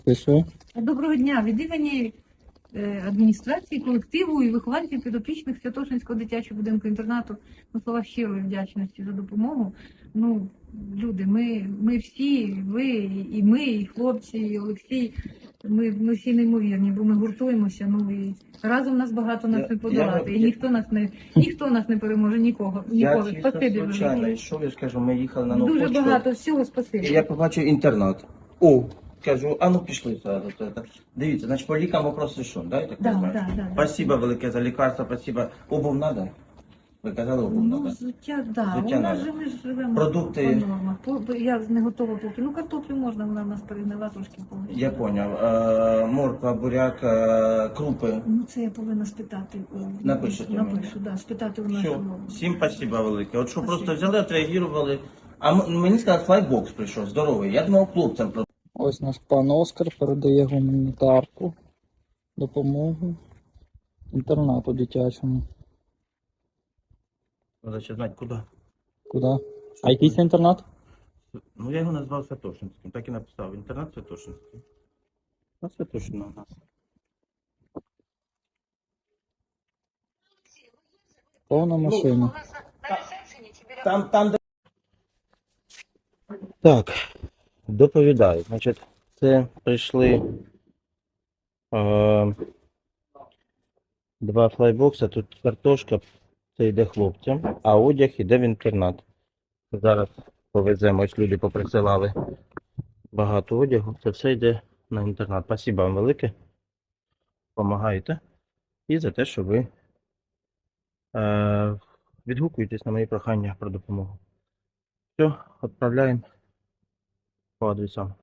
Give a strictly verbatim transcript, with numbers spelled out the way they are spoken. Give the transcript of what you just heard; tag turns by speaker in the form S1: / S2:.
S1: Ти що?
S2: Доброго дня. Від імені е, адміністрації, колективу і вихованців підопічних Святошинського дитячого будинку інтернату на слова щирої вдячності за допомогу. Ну, люди, ми, ми всі, ви, і ми, і хлопці, і Олексій, ми, ми всі неймовірні, бо ми гуртуємося, ну і разом нас багато нас
S3: Я-
S2: не подолати.
S3: я-
S2: І ніхто нас не ніхто нас не переможе, нікого.
S3: Я
S2: Ніколи.
S3: чисто
S2: Спасибі
S3: случайно
S2: велике.
S3: йшов, я ж кажу, ми їхали на нову
S2: Дуже
S3: почту,
S2: багато всього,
S3: і
S2: спасибі.
S3: я побачив інтернат. О, кажу, а ну пішли зразу. це, це. Дивіться, значить по лікам вопрос рішен, да, я так
S2: Да,
S3: розумію?
S2: да, да, да.
S3: Спасибо велике за лікарство, спасибо. Обув надо? Ви казали, обув
S2: Ну,
S3: надо?
S2: взуття, да.
S3: Взуття
S2: У нас
S3: надо.
S2: же ми ж живемо
S3: Продукти-
S2: по нормах. По- по- Я не готова поки. Ну, картоплю можна, вона в нас перегнила трошки повністю.
S3: Я поняв. Е, морква, буряк, е, крупи.
S2: Ну, це я повинна спитати. у-
S3: Напишете мені.
S2: Напишу, да, спитати у
S3: Все,
S2: нашого.
S3: всім спасибо велике. От що
S2: Спасибо.
S3: просто взяли, отреагували. А м- мені сказали, флайбокс прийшов, здоровий. Я думав, хлопцям про.
S1: Ось наш пан Оскар передає гуманітарку, допомогу інтернату дитячому.
S3: Треба ще знати, куди.
S1: Куди? А який це інтернат?
S3: Ну, я його назвав Святошинським, так і написав. Інтернат Святошинський. На Святошина у нас.
S1: Повна машина.
S3: Там, там, де... Так, доповідаю. Значить, це прийшли е, два флайбокса, тут картошка, це йде хлопцям, а одяг йде в інтернат. Зараз повеземо, ось люди поприсилали багато одягу, це все йде на інтернат. Спасибо вам велике, допомагаєте і за те, що ви е, відгукуєтесь на мої прохання про допомогу. Все, відправляємо по адресам.